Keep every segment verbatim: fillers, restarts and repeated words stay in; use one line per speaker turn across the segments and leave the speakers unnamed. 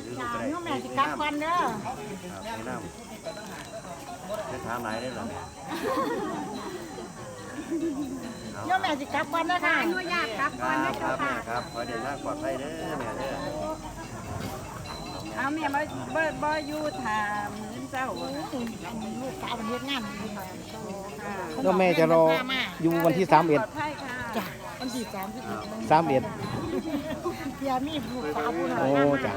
จ้าน้องแม่สิกลับวันเด้อ
ครับแนะนำจะถามไหนได้หรอเนี่ย
น้องแม่สิกลับวันเด้อค่ะอนุญาตกลับ
ค
วัน
รั
นะ
บค
เจ้า
รับแม่
ค่ะ
ครับขอเดินทางปลอดภัยเด้อแม่เด้อ
เอาแม่บ่บ่บ่อยู่ถามมื้อเช้า
ลูกสาวมันเฮ็ดงาน
แล้วแม่จะรออยู่วันที่สามเอ็ด
ปลอดภัยค่ะ
จ้ะวันที่สามสิบเอ็ด
สามเอ็ด
เพียมีลูกสาวผู้น้อย
โอ้
งาน
จ้ะ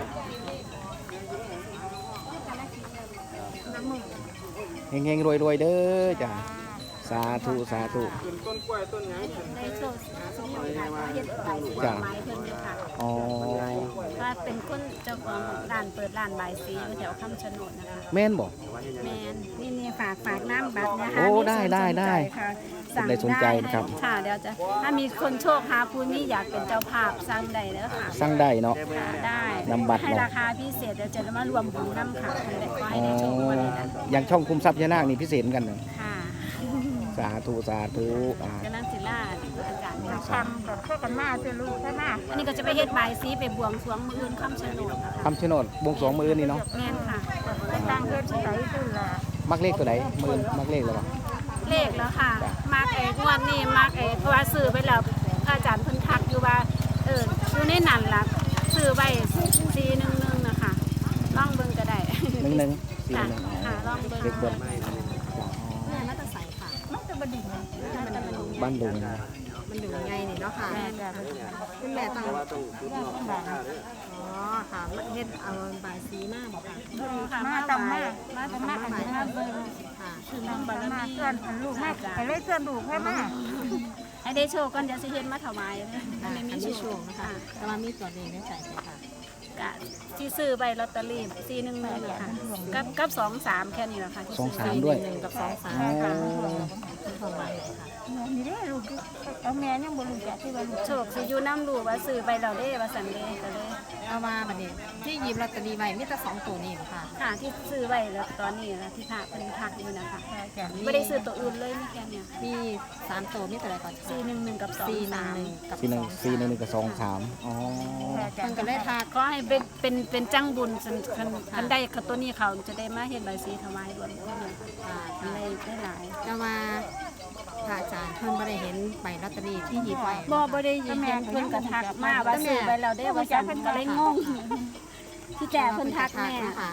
เฮงๆรวยๆเด้อจ้ะสาธุสาธุ
ในโซเชียลค่ะเฮ็ดใบสี
จ้ะ
ไม้เพิ่นอยู่ค่ะ
อ๋อ
ว่าเป็นคนเจ้าของร้านเปิดร้านใบสีอยู่แถวคำชะโนดนะคะ
แม่นบอก
แมนนี่นี่ฝากฝากน้ำบัตรนะคะ
โอ้
มี
ได้
คน
ได้
สนใจ
ได้
ค่ะ
ผมได้สนใจนะครับ
ค่ะเดี๋ยวจะถ้ามีคนโชคหาผู้นี้อยากเป็นเจ้าภาพสั่งได้เด้อค่ะ
สั่งได้เนาะ
ค่ะได้
นำบัตร
ให้
เนาะ
ราคาพิเศษเดี๋ยวจะมารวมบุญน้ำค่ะให้ได้ก็ให้
อ๋อ
ได้โชควันนี้นะ
อย่างช่องคุมทรัพย์ยานาคนี่พิเศษเหมือนกันเนอะ
ค่ะ
สาธุสาธุอ่า
กำลังศิลาอาจารย์เนี่ย
ทำกับข้าวกันมาเจ้าลูกใช่ไหม
อันนี้ก็จะไปเฮ็ดใบสีไปบวงสรวงมืออื่นคำชะโนดนะคะ
คำชะโนดบวงสรวงมือนี่เนาะ
แม่นค่ะ
ตั้งเฮ็ดที่ไหนขึ้นล่ะ
มักเลขตัวไหนมือมักเลขแล้วบ่
เลขแล้วค่ะ มากเอกงวดนี้มากเอกเพราะว่าซื้อไปแล้วพระอาจารย์เพิ่นทักอยู่ว่าเอออยู่ในนั้นล่ะซื้อไว้สี่หนึ่งหนึ่งนะคะลองเบิ่งก็ได้
หนึ่งหนึ่งสี่
ค่ะ
หนึ่ง
ค่ะลองเบิ่ง
เลขเบิ้ล
แม่มาตะใส่ค่ะ
มันจะบัดดิ่ง
มันจะมัน
บ้านดุง
มันอยู่ไงนี่เนาะค่ะ
แม่จ้ะ
คุณแม่ต้องอ๋อค่ะเฮ็ดเอาใบสีมาบ่ค่ะ
ค่ะ
มา
มา
ตำ
ไหว้
มา
มา
มา
ตำ
ตำ
มา
มา
อั
อั
น
น
นี้
นี้
มา
มา
เบิ่ง
ค่ะ
คือน้องบาร
มา
มี
เพื่อนลูกมาไปเลยเพื่อนลูกให้มา
ให้ได้โชคก่อนเดี๋ยวสิเฮ็ดมาถวายเลย
ค่ะ
ถ้าไม่
อัน
มี
นี้
โช
ช่ว
ค
งนะคะแต่ว่ามีตัวเลขในใจใช่ค่ะ
กะที่ซื้อใบลอตเตอรี่สี่หนึ่งหนึ่งค่ะกับกับสองสามแค่นี้แหละค่ะที่
สอง
ซื้
สามด้วย
หนึ่งกับสองสาม
อ๋อ
ค่ะของใบค่ะ
นี่เด้ลูกเอาแม่ยังบ่รู้จักที่ว่าลูก
โชคสิอยู่น้ำลูกว่าซื้อใบเราได้ว่าสันเดก็เลย
เอามาบัดนี้ที่หยิบลอตเตอรี่ไว้มีแต่สองตัวนี่บ่ค่ะ
ค่ะที่ซื้อไว้แล้วตอนนี้นะที่พระเป็นทักอยู่นะคะไม่ได้ซื้อตัวอื่นเลยมีแค่เนี้ย
มีสามตัวมีแต่อะไรก่อน
สี่หนึ่งหนึ่งกับสอง
สี่หนึ่
สาง ม
หนึ่งกับ
สี่หนึ่ง
สอง
สี่หนึ่งหนึ่งกับสองสามอ๋อ
มันก็เลยทัก
ก็ให้เป็นเป็นเป็นจังบุญคันคันคันได้กับตัวนี้เขาจะได้มาเห็นใบสีถวายรวมกันเลย
ค่ะ
อันได้ได้หลาย
แต่ว่าพระอาจารย์เพิ่นบ่ได้เห็นใบลอตเตอรี่ที่หยิบไว้
บ่บ่ได้ยินเพิ่นกระทักมาว่าซื้อไว้เราได้ว่าสันก็เลยงงที่แต่เพิ่นทักแม่ค่ะ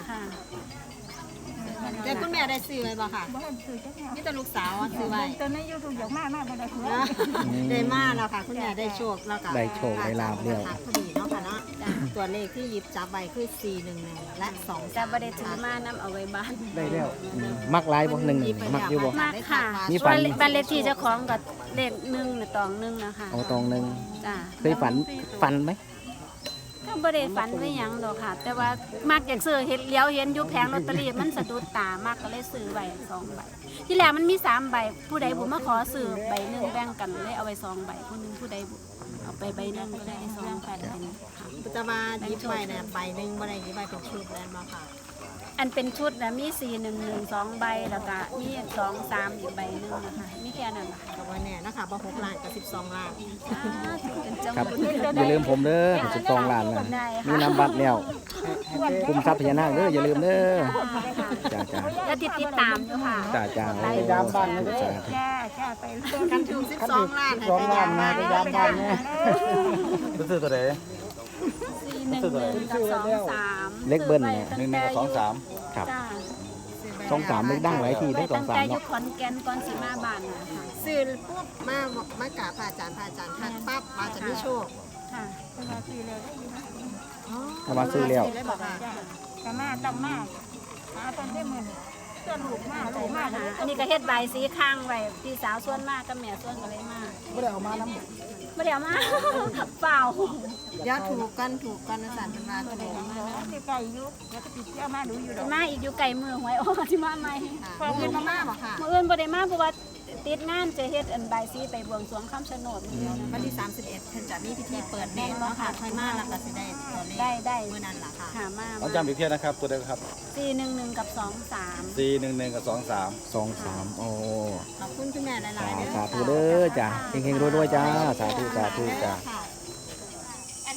แต่คุณแม่ได้ซื้อไว้บ่ค่ะ
บ่ทันซื้อจักแม่
มีแต่ลูกสาวอะซื้อไว้
ตอนนี้ยูทูบอยากมามาบ่ได้ซื้อ
ได้มาแล้วค่ะ คุณแม่ได้โชคแล้วก็
ได้โชคได้ลาภเรียว
พอดีเนาะค่ะเนาะตัวเลขที่หยิบจับใบคือสี่หนึ่งหนึ่งและสอง
แต่บ่ได้ถือมานํเอาไว้บ้าน
ได้แล้วอืมมักหลายบ่หนึ่งหนึ่งมักอยู่บ่
มากค่ะ
มีฝัน
บ้านเลขที่เจ้าของกับเลขหนึ่งหรือตองหนึ่งนะคะ
เอาตรงหนึ่ง
จ้า
เคยฝันฝันไหม
ก็บ่ได้ฝันไม่หยังดอกค่ะ แต่ว่ามักอยากซื้อเห็นเลี้ยวเห็นอยู่แผงลอตเตอรี่มันสะดุดตามากก็เลยซื้อไว้สองใบที่แรกมันมีสามใบผู้ใดบุมาขอซื้อใบหนึ่งแบ่งกันเลยเอาไว้สองใบผู้หนึงผู้ใดบุเอาไปใบหนึ่งก็ได้สองใบเป็นค่ะ
จะมาหยิบไว้เนี่ยใบหนึ่งบ่ได้หยิบไว้เป็นชุดแล้วมาค่ะ
อันเป็นชุดนะมีสี่หนึ่งหนึ่งสองใบแล้วก็มีสองสามอีกใบหนึ่งนะคะมีแค่นั้นค่ะ
กับว่าเนี่ยนะคะบ่หกล้านกับสิบสองล้าน
เป็นจัง
ครับ
บุญ
อย่าลืมผมเด้อสิบสองล้านนะมีนำบัตรแล้วคุมทรัพย์พญานาคเด้ออย่าลืมเด้อจ้าจ้า
แล้วติดติดตามอยู่ค่ะ
จ้าจ้าโอ้สาธุสาธุ
จ้าจ้าไปเพื่อน
กันถึงสิบสองล้านให้ไปยามมาได้ยามบ้านเนี่ย
ซื้อตัวไหน
สี่หนึ่งหนึ่งกับสองสาม
เลขเบิ้ลเนี่ย
หนึ่งหนึ่งกับสองสาม
ครับ
จ้า
สองสามเลขดังหลายทีได้สองสาม
แต่ยุ
เนาะ
คขอนแก่นก่อนสีมาบานนะคะ
ซื้อปุ๊บมามากราบพระอาจารย์พระอาจารย์ทักปั๊บมาจะมีโชค
ค่ะ
เวลาซื้อเลยได้ยินไหม
ถ้ามาซื้อแล้ว
ได้บอกค่ะ
จ้าตำมาตำมาหาตอนได้มื้อเพื่อนลูกมาลูกมา
ค่ะอันนี้ก็เฮ็ดใบายสีข้างไว้พี่สาวส่วนมากกับแม่ส่วนก็เลยมาก
ไม่ได้เอามาน้ำ
ไม่ได้เอามา เปล่า
เดี๋ยวถูกกันถูกกันอาจารย์เป็นว่าถูก
ที่ไก่ยุกแล้วก็ติดเจ้ามาดูอยู่ดอก
มาอีกอยู่ไก่มือหวยโอ้ที่มาใหม่
ค่ะเงินมาม่าบอกค่ะ
มื่ออื่นบ่ได้มาเพราะว่าติดงานจะเฮ็ดอันใบายสีไปบวงสรวงคำชะโนดมื้อเดียวนะ
วันที่สามสิบเอ็ดเพิ่นจะมีพิธีเปิดเนตรเนาะค่ะค่อยมาแล้วก็สิได้ตัวเลข
ได้ได้
เมื่อนั้นล่ะค่ะ
หามา
เอาจำอีกเที่ยนะครับ ตัวเดียวครับ
สี่หนึ่งหนึ่งกับสองสาม
สี่หนึ่งหนึ่งกับสองสาม
สองสามโอ้
ขอบคุณคุณแม่หลายๆเด้อ
สาธุเด้อจ้าเฮงๆรวยๆจ้าสาธุสาธุจ้า
ค่ะ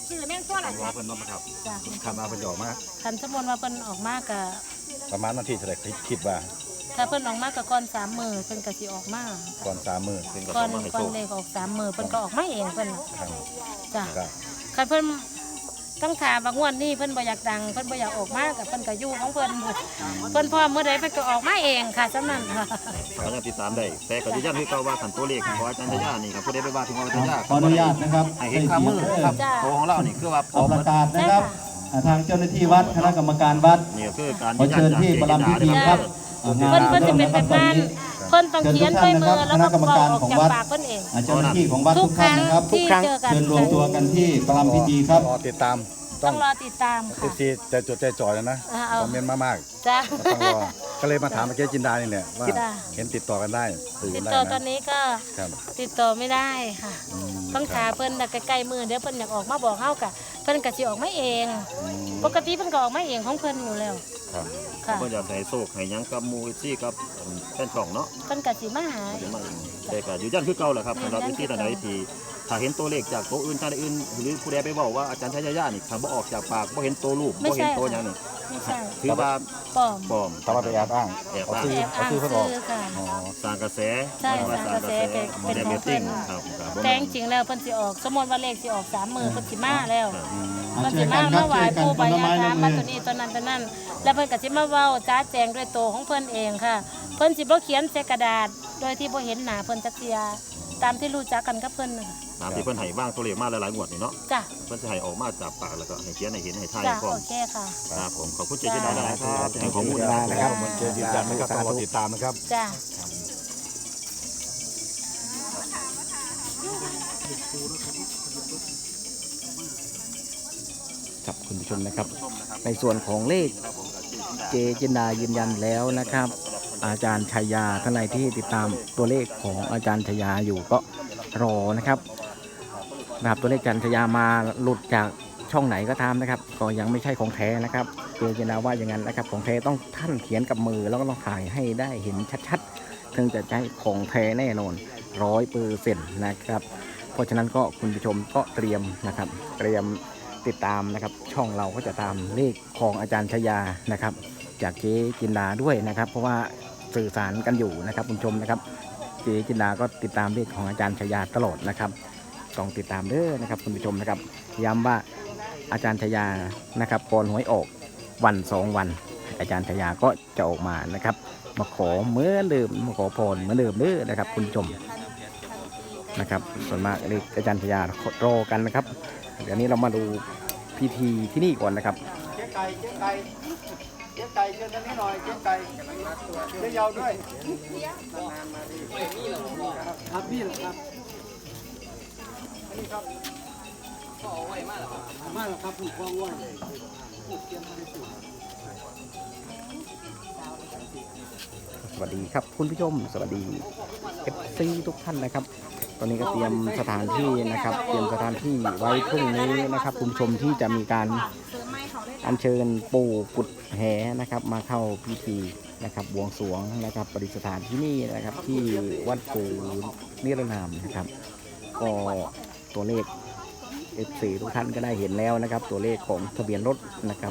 ซื้อแม่งตัวละ
รอเพิ่นนอนมาครับ
จ้ะ
คาดว่าเพิ่นจะออกมา
คันสมมุติว่าเพิ่นออกมากะ
ประมาณวันที่เท่าไหร่คิดว่า
ถ้าเพิ่นออกมากะก่อนสามมื้อเพิ่นก็สิออกมา
ก่อนสามมื้อเพิ่นก็
ก่อ
ต้อน งมาให้
ก่อ
โช
น
ค
เลขออกสามมื้อเพิ่นก็ออกมาเองเพิ่นน่ะ
ครับ
จ้ะ
ก็
คันเพิ่นต้องถามว่างวดนี้เพิ่นบ่อยากดังเพิ่นบ่อยากออกมาก็เพิ่นก็อยู่ของเพิ่นเพิ่นพร้อมเมื่อใดเพิ่นก็ออกมาเองค่ะซั่นนั้นค่ะ
ก็ยังติดตามได้แต่ก็ยืนยันคือเก่าว่าขันตัวเลขของอาจารย์ทยานี่ครับผู้ใดไปว่าถึงว่าอาจารย์ทยา
ขออนุญาตนะครับ
ให้เห็นข้ามือครับโตของเรานี่คือว่าพ
ขอ
อ
ประกาศนะครับอ่าทางเจ้าหน้าที่วัดคณะกรรมการวัด
นี่คือการ
ขอเชิญที่ประลำพิธีครับอ่างาน
เพิ่นเพิ่นจะเป็นแบบนั้นเพิ่นต้องเขียนด้วยมือแล้วก็บอกออกจากปากเพิ่นเอง
อ่าเจ้าหน้าที่ของวัด
ทุ
ทุ
ก
ก
ค
ท่า
รั้
น
ง
นะครับ
ที่เจอกัน
เชิญรวมตัวกันที่ประลำพิธีครับ
รอติดตาม
ต้องรอติดตามค่ะ
ที่ใจจดใจจ่อแล้วนะ
อ่าเอา
คอมเมนต์มาก
จ้ะ
ๆต้องรอก็เลยมาถามเมื่อกี้จินดานี่แหละว่า
จ้ะ
เห็นติดต่อกันได้สื่อ
ติด
ได้
ต่อตอน
นะ
นี้ก็
ครับ
ติดต่อไม่ได้ค่ะ
อืม
ต้องถามเพิ่นน่ะใกล้ๆมือเดี๋ยวเพิ่นอยากออกมาบอกเฮากะเพิ่นก็สิออกมาเอง
อืม
ปกติเพิ่นก็ออกมาเองของเพิ่นอยู่แล้ว
ครับ
ค่ะ
เพิ่นอยากให้โชคให้หยังกับหมู่ซี่กับแฟนช่องเนาะ
เพิ่นก็สิมาหา
เดี๋ยวมาเองแต่ก็ยืนยันคือเก่าแหละครับสำหรับวิธีต่างๆที่ถ้าเห็นตัวเลขจากตัวอื่นท่านอื่นหรือผู้ใดไปบอกว่าอาจารย์ชัยยะนี่ถ้าบ่ออกจากปากบ่เห็นตัวรูปบ่เห็นตัวหยังนี่
ไม่ใช่
ถือว่า
ปลอม
ปลอมแต่ว่าไปแอบอ้าง
แอบอ้างซื้อค่ะ
อ๋อสร้างกระแส
ใช่สร้างกระแสเป็นเป็นของเพิ่น
ครับครับ
แต่จริงๆแล้วเพิ่นสิออกสมมุติว่าเลขสิออกสามมือเพิ่นสิมาแล้ว
อืม
อ่า
เพิ่น
ช่
สิ
วยกั
มาน
ครั
มา
บ
ไหว้
ช่วยกัน
ปู่
ค
บาน
ละ
ยา
ไม้
ถา
ละ
ม
มื
มา
อ
ตัวนี้ตัวนั้นตัวนั้น แล้วเพิ่นก็สิมาเว้าจ้าแจงด้วยตัวของเพิ่นเองค่ะ เพิ่นสิบ่เขียนใส่กระดาษ โดยที่บ่เห็นหน้าเพิ่นจักเที่ยตามที่รู้จักกันกับเพิ่นน่ะค่ะ
ตามที่เพิ่นให้บ้างตัวเลขมาหลายๆงวดนี่เนาะ
จ้ะ
เพิ่นสิให้ออกมาจากปากแล้วก็ให้เขียนให้เห็นให้ทาย
จ้ะ
พร้อ
โอ
ม
เคค่ะ
ครับผมขอบคุณเจจินดานะครับให้ข้อมูล
เจจินดานะครับ
ผมเจจินดานะครับต้องรอติดตามนะครับ
จ้ะ
ครับคุณผู้ชมนะครับ ในส่วนของเลขเจจินดายืนยันแล้วนะครับ อาจารย์ชัยยาท่านใดที่ติดตามตัวเลขของอาจารย์ชัยยาอยู่ก็รอนะครับนะครับตัวเลขอาจารย์ชัยยามาหลุดจากช่องไหนก็ตามนะครับ ก็ยังไม่ใช่ของแท้นะครับเจจินดาว่าอย่างนั้นนะครับของแท้ต้องท่านเขียนกับมือแล้วก็ต้องถ่ายให้ได้เห็นชัดๆถึงจะใช้ของแท้แน่นอนร้อยเปอร์เซ็นต์นะครับเพราะฉะนั้นก็คุณผู้ชมก็เตรียมนะครับเตรียมติดตามนะครับช่องเราก็จะตามเลขของอาจารย์ชัยยานะครับจากเจจินดาด้วยนะครับ เพราะว่าสื่อสารกันอยู่นะครับคุณผู้ชมนะครับเจจินดาก็ติดตามเลขของอาจารย์ชัยยาตลอดนะครับต้องติดตามเด้อนะครับคุณผู้ชมนะครับย้ำว่าอาจารย์ชัยยานะครับก่อนหวยออกวันสองวัน อาจารย์ชัยยาก็จะออกมานะครับมาขอเหมือนเดิมมาขอพรเหมือนเดิมเด้อนะครับคุณผู้ชมนะครับส่วนมากเลขอาจารย์ชัยยารอกันนะครับเดี๋ยวนี้เรามาดูพิธีที่นี่ก่อนนะครับ
เจ๊ไก่เจ๊ไก่เจ๊ไก่เชิญทางนี้หน่อยเจ๊ไก่เจ๊ยาวด้วยครับนี่แหละครับนี่ครับก็เอาไว้มาแล้วครับมาแล้วครับผูกคล้องไว้ผูกเตรียมไปสู่
สวัสดีครับคุณผู้ชมสวัสดี เอฟ ซี ทุกท่านนะครับ ตอนนี้ก็เตรียมสถานที่นะครับ เตรียมสถานที่ไว้พรุ่งนี้นะครับคุณผู้ชมที่จะมีการอัญเชิญปู่กุดแหนะครับ มาเข้าพิธีนะครับบวงสรวงนะครับประดิษฐานที่นี่นะครับที่วัดปู่นิรนามนะครับ ก็ตัวเลข เอฟ ซี ทุกท่านก็ได้เห็นแล้วนะครับ ตัวเลขของทะเบียนรถนะครับ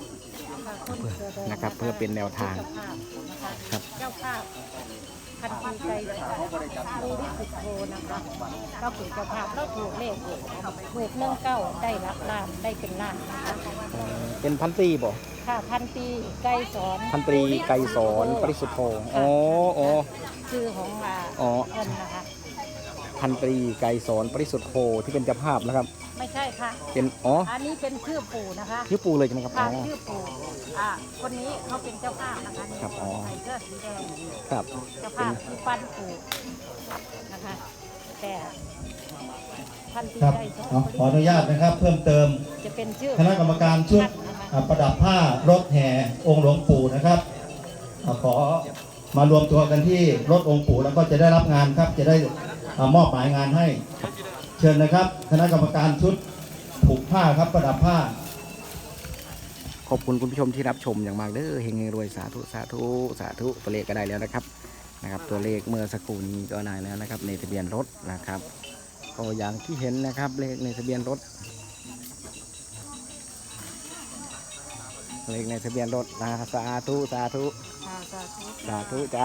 นะครับ เพื่อเป็นแนวทางครับ
เจ้าภาพพันธีใจรู้ที่สุดโทนะคะเราเป็นเจ้าภาพเราถูกเลขถูกเนื่องเก้าได้รับล้านได้เป็นล้านนะคะ
เป็นพันตรีบ่
ค่ะพันปีไกรสอน
พันตรีไกรสอนปริสุทธโธอ๋ออ๋อ
ชื่อของอ่า
อ๋อ
เพิ่นนะคะ
พันตรีไกรสอนปริสุทธโธที่เป็นเจ้าภาพนะครับ
ไม่ใช่ค่ะ
เป็นอ๋อ
อันนี้เป็นชื่อปู่นะคะ
ชื่อปูเลยใช่ไหมครับอ๋
ค่ะ
อ
ชื่อปู่อ่าคนนี้เขาเป็นเจ้าภาพนะคะนี่
ครับอ๋อ
ใส่เสื้อสีแดง
ครับ
เจ้าภาพคือปั้นปู่นะคะแต่พันปี
ครับ
ไกรสอน
เอาขออนุญาตนะครับ เพิ่มเติม
จะเป็นชื่อ
คณะกรรมการชุด
ท่านนะคะ
อ่าประดับผ้ารถแห่องค์หลวงปู่นะครับอ่าขอมารวมตัวกันที่รถองค์ปู่แล้วก็จะได้รับงานครับ จะได้อ่ามอบหมายงานให้ เชิญนะครับ คณะกรรมการชุดผูกผ้าครับประดับผ้า
ขอบคุณคุณผู้ชมที่รับชมอย่างมากเด้อเฮงๆรวยสาธุสาธุสาธุตัวเลขก็ได้แล้วนะครับนะครับ ตัวเลขเมื่อสักครู่นี้ก็ได้แล้วนะครับ ในทะเบียนรถนะครับก็อย่างที่เห็นนะครับเลขในทะเบียนรถเลขในทะเบียนรถนะสาธุสาธุ
ค่ะสาธุ
สาธุจ้า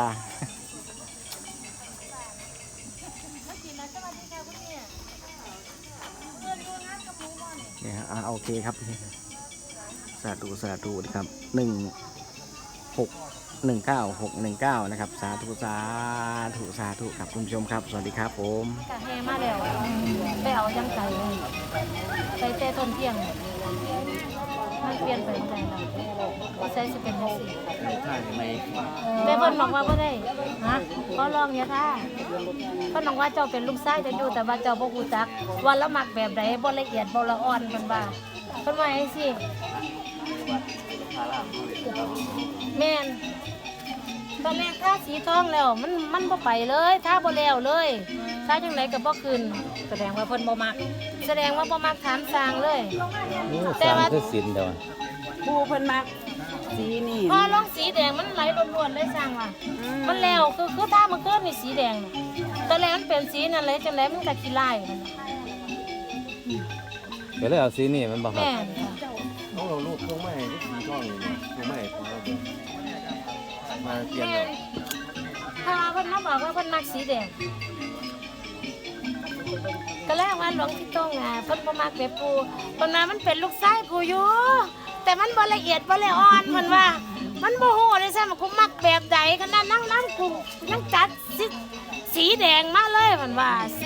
เนี่ยอ่าโอเคครับสาธุสาธุนะครับหนึ่งหกหนึ่งเก้าหกหนึ่งเก้านะครับสาธุสาธุสาธุครับคุณผู้ชมครับสวัสดีครับผม
กะแห่มาแล้วไปเอายังไงเลยไปเตะต้นเที่ยงมันเปลี่ยนไปใจเราก็ใช้สิเป็นจังซี่แม่เพิ่นบอกว่าบ่ได้ฮะเขาลองอย่าท่าเพิ่นบอกว่าเจ้าเป็นลูกชายจะอยู่แต่ว่าเจ้าบ่ฮู้จักว่าละมักแบบใดบ่ละเอียดบ่ละอ่อนเพิ่นว่าเพิ่นว่าจังซี่แม่นตอนแรกถ้าสีทองแล้วมันมันบ่ไปเลยถ้าบ่แล้วเลยถ้าจังไดก็บ่ขึ้นแสดงว่าเพิ่นบ่มักแสดงว่าบ่มักถามสร้างเลยแต่ว่า
ปูเพิ่นมักสีนี่
พอลองสีแดงมันไหลล้วนๆเลยสร้างว่ามันแล้วคือคือถ้ามันเกิดนี่สีแดงน่ะตอนแรกมันเป็นสีนั่นเลยจังไดมันก็ขี้ลายมัน
เดี๋ยวเลยเอาสีนี่มันบอกครับ
แม่นค่ะ
ต้องเราลูกพวงไม้ที่สีทองนี่พวงไม้ของเรามาเปลี่ยน
แม่นพอเพิ่นมาบอกว่าเพิ่นมักสีแดงก็แล้วว่าหลวงพี่ต้องอ่ะเพิ่นบ่มักแบบปูเพิ่นว่ามันเป็นลูกชายปูอยู่แต่มันบ่ละเอียดบ่ละอ่อนเพิ่นว่า มันบ่ฮู้เลยใช่มั้ยกูมักแบบใดขนาดนั่งนั่งกูยังจัดสีสีแดงมาเลยเพิ่นว่าสิ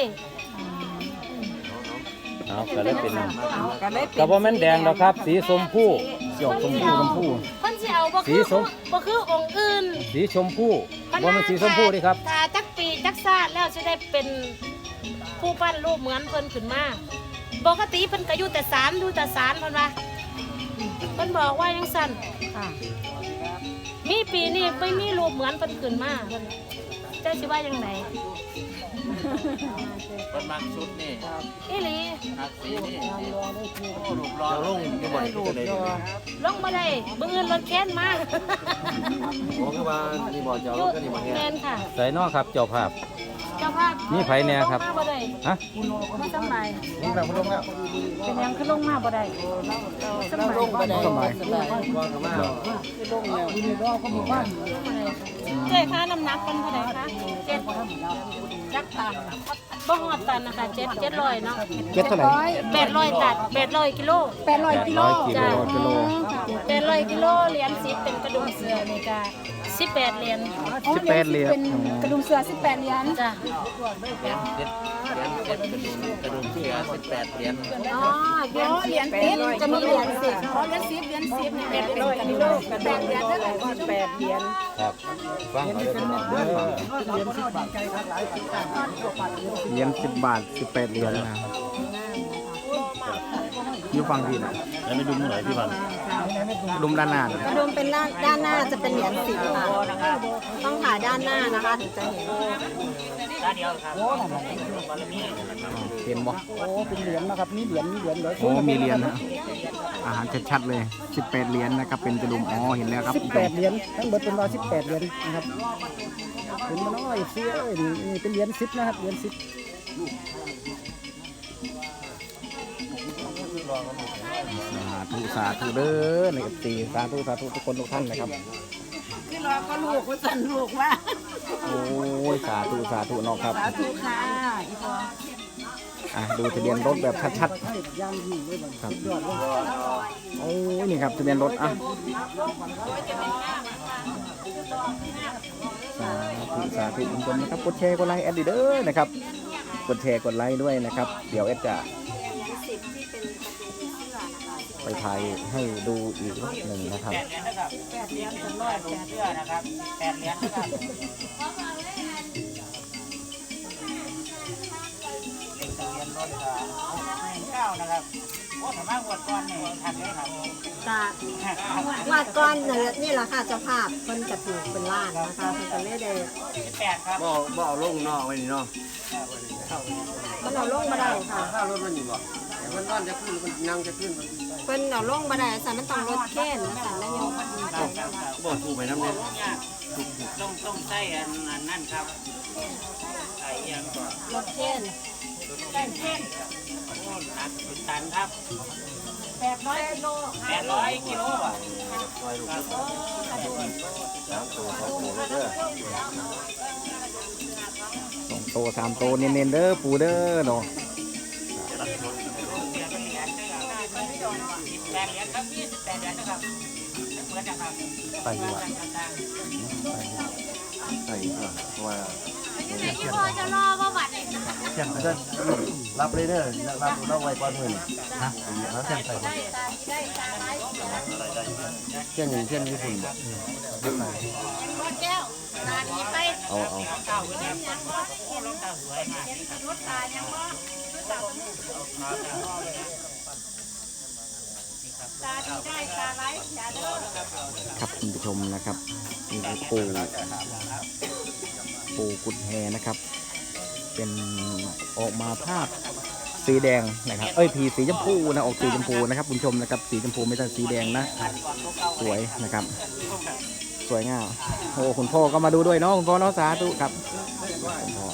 เอาก็เลยเป็น
ก็เลย
ก็บ่แม่นแดงดอกครับ สีชมพู
หยอกชมพูชมพู
เพิ่นสิเอาบ่
สี
คือ
ส้ม
บ่คือองค์อื่น
สีชมพูบ่แม่นสีชมพูนี่ครับ
ถ้าจักปีจักชาติแล้วสิได้เป็นผู้ปั้นรูปเหมือนเพิ่นขึ้นมาปกติเพิ่นก็อยู่แต่ศาลอยู่แต่ศาลเพิ่นว่าเพิ่นบอกว่าจังซั่นมีปีนี้ไม่มีรูปเหมือนเพิ่นขึ้นมาเพิ่นเจ้าสิว่าจังได
เป็นมักชุดนี่
อีหลี
มักสีนี่โอ้ลูกรอลงจะบ่ได้จะได้
ลงบ่ได้เบิ่งเงินรถแค้นมา
โอ้คือว่านี่บ่จะเอา
อยู่
ก็นี่มาแฮ
แม่นค่ะ
ใส่นอกครับเจ้าภาพ
เจ้าภาพ
มีไผแน่ครับ
ลงมาบ่ได้
ฮะ
มาสำบาย
นี่แบบลงแล้ว
เป็นหยังคือลงมาบ่ได้สำบาย
ลงบ่ได้
สมัย
ก็คือว่า
ลงแล้วนี่รอเขาบอกว่า
เจ๊ค่าน้ำหนักเป็นเท่าไหร่คะเจ็ดจักตันบ่ฮอดตันนะคะเจ็ดเจ็ดร้อยเนาะ
เจ็ดเท่าไหร่
แปดร้อยตันแปดร้อยกิโล
แปดร้อยกิโล
ร้อยกิโล
จ้ะ
กิโล
แปดร้อยกิโลเหรียญสิบเป็นกระดุมเสือนี่ก็สิบแปดเหรียญ
สิบแปดเหรียญ
เป็นกระดุมเสือสิบแปดเหรียญ
จ้ะ
กระดุมเสือสิบแปดเหรียญ
อ๋อเหรียญ
เหรียญสิบจะมีเหรียญสิบเพราะเหรียญสิบเหรียญสิบเนี่ยเป็นร้อยกิโลแปดเหรียญเท่าไหร่แปดเหรียญ
ครับฟังเขาเลยเป็นเด้อ
เหรียญสิบบาทสิบแปดเหรียญนะอยู่ฟังพี่นะ
แล้วไม่ดูมือไหนพี่พัน
ลุมด้านหน้านะ
กระดุมเป็นด้านด้านหน้าจะเป็นเหรียญสิบค่ะต้องถ่ายด้านหน้านะคะถึงจะเห็น
เห็นบ่
โอ้เป็นเหรียญนะครับนี่เหรียญนี่เหรียญเหรียญ
โอ้มีเหรียญนะอาหารชัดๆเลยสิบแปดเหรียญนะครับเป็นกระดุมอ๋อเห็นแล้วครับ
สิบแปดเหรียญทั้งหมดเป็นร้อยสิบแปดเหรียญนะครับเห็นมันน้อยเสียเอ้ยนี่เป็นเหรียญสิบนะครับเหรียญสิบ
สาธุสาธุเด้อในกับตีสาธุสาธุทุกคนทุกท่านนะครับ
ที่รอก็ลูกว่าสั่นลูกว่า
โอ้ยสาธุสาธุน้องครับ
สาธุค่ะอีพอ
อ่ะดูทะเบียนรถแบบชัด
ให้ย่างยิ่งเลยมัน
ๆครับโอ้ยนี่ครับทะเบียนรถอ่ะสาธุสาธุทุกคนนะครับกดแชร์กดไลค์แอดดิเด้อนะครับกดแชร์กดไลค์ด้วยนะครับ เดี๋ยวแอดจะไปถ่ายให้ดูอีกรอบหนึ่งนะครับ
แปดเหรียญเป็นร้อยแปดเสื้อนะครับแปดเหรียญนะครับเก้านะครับโอ้สามารถวดก้อนเนี่ยทันเลยครับ
จะวาดก้อนนี่แหละค่ะเจ้าภาพเพิ่นจะถูกเป็นล้านนะคะเพิ่นจะไม่ได้
แปดครับ
บ่บ่เอาลงนอกไว้นี่เนาะ
มันเอาลงมาได้ค่ะ
ข้าวรถมันอยู่บ่แต่มันนอนจะขึ้นมันนั่งจะขึ้นมัน
เพิ่นเอาลงมาได้สันมันต้องรถเข็นสันแล้วโยม
บ่ถูกไปน้ำเนี่ย
ต้องต้องใส่อันนั้นครับไอ้ยังก่อน
รถเข็น
แปดร้อยกิโลแปดร้อยกิโลอ่ะ
สองโตสามโตเน้นๆเด้อปูเด้อเนาะไปดีกว่า
ใช่ครับเพราะว่า
ที่พอจะรอว่าบัตรเนี่ย
เที่ยงก็รับเลยเด้อรับรับไว้ก่อนมื้อนี้ฮะเที่ยงใส่เที่ยงเที่ยงญี่ปุ่นบ่
แก้วตาดีไป
เอาเอา
รถตายังว่าตาดีได้ตาไหลอย่าเด้อ
ครับคุณผู้ชมนะครับนี่คือปูปูกุดแฮนะครับ เป็นออกมาภาพสีแดงนะครับเอ้ยผีสีชมพูนะออกสีชมพูนะครับคุณผู้ชมนะครับสีชมพูไม่ใช่สีแดงนะสวยนะครับ สวยงามโอ้คุณพ่อก็มาดูด้วยเนาะคุณพ่อเนาะสาธุครับคุณพ่อ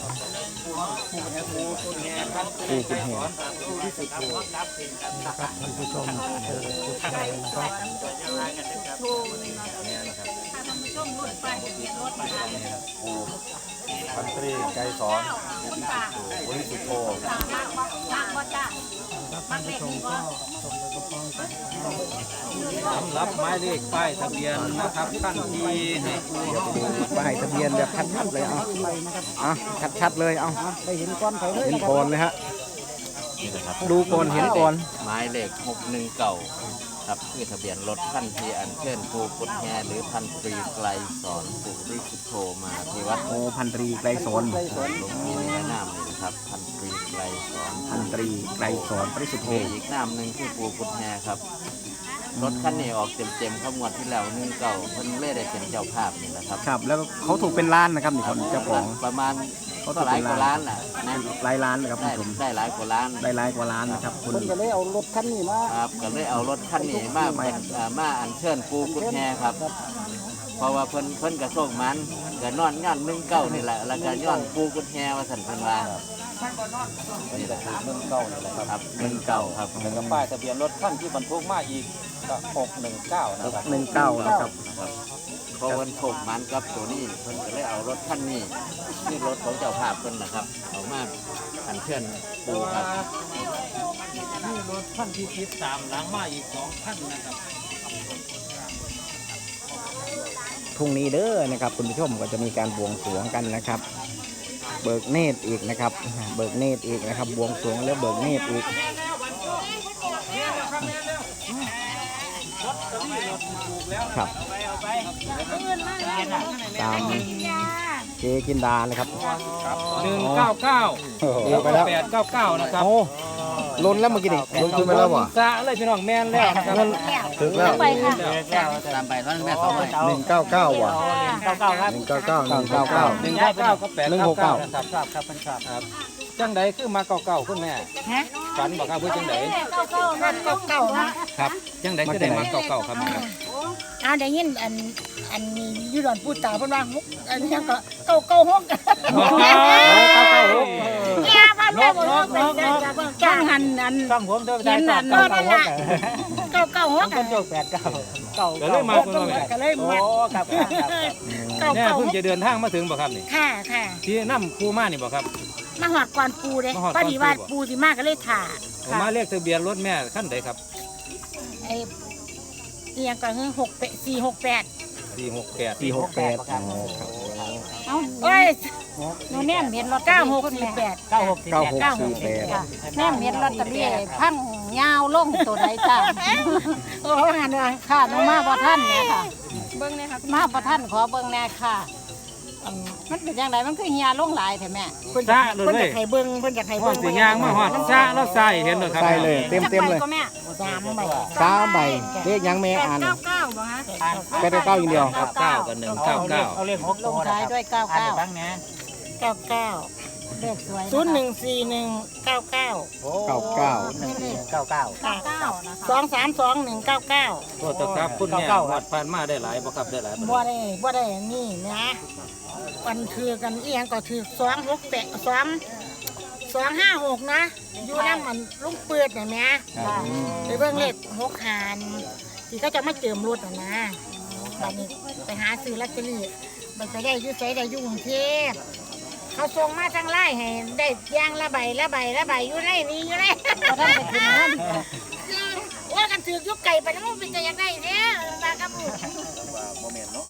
ปูกุดแฮ
ท่านผู้ชมเจอจุดแดงนะครับ
ถ้าท่านผู้ชมรถไปเบียดรถมา
พันตรีไกรสอนบริสุทธิ์โท
มากบ่มากบ่จ้า
ท่านผู้ชมก็ส่งไปกระป๋องกัน
สำหรับหมายเลขป้ายทะเบียนนะครับท่านที่ให้ผู้
ป้ายทะเบียนแบบชัดๆเลยเอา
ไปนะครับ
อ่ะชัดๆเลยเอา
อ่ะได้เห็นก้อนไฟเลย
เห็น
นะค
ก่อ
รั
น
บ
เลยฮะดูก่อนเห็นก่อน
หมายเลขหกหนึ่งเก่าครับคือทะเบียนรถขั้นที่อันเชิญภูกุฎแฮหรือพันตรีไกลสอนปุริสุทโธมาที่วัด
โอพันตรีไกรสอน
หลวงพี่ในนามนี่นะครับพันตรีไกลสอน
พันตรีไกรสอนปริสุทธิ์โธ
มีอีกนามหนึ่งคือภูกุฎแฮครับรถคันนี้ออกเต็มๆเข้างวดที่แล้วหนึ่งเก่าเพิ่นเล่ได้เป็นเจ้าภาพนี่นะครับ
ครับแล้วเขาถูกเป็นล้านนะครับนี่คนเจ้าของ
ประมาณ
เขา
ก็
ถูก
หลา
เป็
ย
น
กว่า
ล้า
ล้าน นแหละนะ
หลายล้านนะครับคุ
ได้
ณผู้ชม
ได้หลายกว่าล้าน
ได้หลายกว่าล้านนะครับคุณ
เพิ่นก็เลยเอารถคันนี้มา
ครับก็เลยเอารถคันนี้มาเป็นเอ่อมาอัญเชิญปูกุฎแฮครับ เพราะว่าเพิ่นเพิ่นกระโชคมันก็นอนย้อนหนึ่งเก้านี่แหละแล้วก็ย้อนปูกุฎแฮว่าสันเพิ่นว่านี่แหละครับ
หนึ่งเก้านี่แหละครับ
ครับหนึ่งเก้าครับ
แล้วก็ป้ายทะเบียนรถขั้นที่บรรทุกมาอีกก็หกหนึ่งเก้านะครับ
หนึ่งเก้านะครับ
เพราะเพิ่นโชคมันครับตัวนี้เพิ่นก็เลยเอารถคันนี้นี่รถของเจ้าภาพเพิ่นนะครับเอามาอัญเชิญปูครับ
นี่รถขั้นที่ติดตามหลังมาอีกสองขั้นนะครับ
พรุ่งนี้เด้อนะครับคุณผู้ชมก็จะมีการบวงสรวงกันนะครับ เบิกเนตรอีกนะครับ เบิกเนตรอีกนะครับบวงสรวงแล้วเบิกเนตรอีกครับตามเจจินดาเลยครับ
หนึ่งเก้าเก้า
เดี๋ยวไปแล้ว
แปดเก้าเก้านะครับ
โอ้ล้นแล้วเมื่อกี้นี่ลงทุนไปแล้ววะ
สะเลยพี่น้องแม่นแล้วนะครับ
ถึงแล้ว
ไปค่ะ
ตามไปตอนแม่สองเลย
หนึ่งเก้าเก้าว่ะ
เก้าเก้าครับ
หนึ่งเก้าเก้าหนึ่งเก้าเก้า
หนึ่งเก้าเก้าก็แปด
หนึ่ง
เก้า
หกเก้า
เก้านะครับครับครับเป็นครับครับจังใดคือมาเก้าเก้าคุณแม่ฝันบอกครับเพื่อจังใด
เก้าเก้านั่นเก้าเก้านะครับ
จังใดก็ได้มาเก้าเก้าครับแม่ครับ
อ่าได้ยินอันอันนี้อยูดอนพูดตาเพิ่นว่าฮุกอันนี้ก็เก้าเก้าฮก
เก้าเก้าหก
แก่พันแม่บ่รู้เป็นจังจังหันอัน
ต้องผมเด้อ
เห็นอันนั่นน่ะเก้าเก้าฮก
คนโจกแปดเก้าเก้าก็เลยมาคุณแม่
ก็เลยมา
ครับครับครับ
เก้า
แม่
เก้า
เพิ่งจะเดินทางมาถึงบ่ครับนี่
ค่ะค่ะ
ที่น้ำคูมานี่บ่ครับ
มาหอดก่อนปูเด้
มาฮอดก่
พ
อน
อ
ปู
ดีว่า
บ่
ปูสิมาก็เลยถ่า
ผมมาเลขทะเบียนรถแม่ขั้นใดครับ
ไอ้เอียงก็คือหกสี่หกแปด
สี่หกแปด
สี่หกแปดอ๋อครับ
เอ้าเอ้ยหนูแนมเห็นรถเก้าหกสี่แปด
เก้าหก
เก้าหกสี่แปด
แม่เม็ดลอตเตอรี่พังยาวลงตัวใดจ้า
โอ้หันว่า
ค่ะหนูมาบ่ท่านเนี่ยค่ะ
เบิ่งเนี่ยค่ะ
มาบ่ท่านขอเบิ่งแน่ค่ะอืมมันเป็นจังไดมันคือเฮียลงหลายแท้แม่
เพิ่น
ซะ
อยาก
เลย
เพิ่นอยากให้เบิ่งเพิ่นอยากให้
หอ
เบิ่
ด
ง
สียางมาหอดซะแล้วใส่เห็นเลยครับ
ใส่เลยเต็มเต็มเลย
ก็แม่
สามใบ
สามใบเลขยังแม่อ่าน
เก้าเก้าบ่ฮะ
แปดเก้าอย่างเดียว
เก้าเก้ากับหนึ่งเก้าเก้า
ลงท้ายด้วยเก้าเก้า
เก้าเก้า
เลขสวย
ศูนย์หนึ่งสี่หนึ่งเก้าเก้า
เก้าเก้า
เก้าเก้า
เก้าเก้านะคะ
สองสามสองหนึ่งเก้าเก้า
โทษครับคุณแม่วัดผ่านมาได้หลายบ่ครับได้หลาย
บ่ได้บ่ได้นี่นะวันคือกันเอียงก็ถือสองหกแปดสองสองห้าหกนะอยู่น้ำมันลุงเปิดน่ะแม่ไปเบิ่งเลขหกหานที่เขาจะมาเจิมรถน่ะนะบัดนี้ไปหาซื้อลอตเตอรี่บัดไปได้อยู่ไสได้อยู่กรุงเทพเขาส่งมาทางไลน์ให้ได้ย่างละใบละใบละใบอยู่ในนี้อยู่ในว่ากันถือยุกไก่ไปแล้วมันเป็นจะยังไงเนี่ยมากับลูก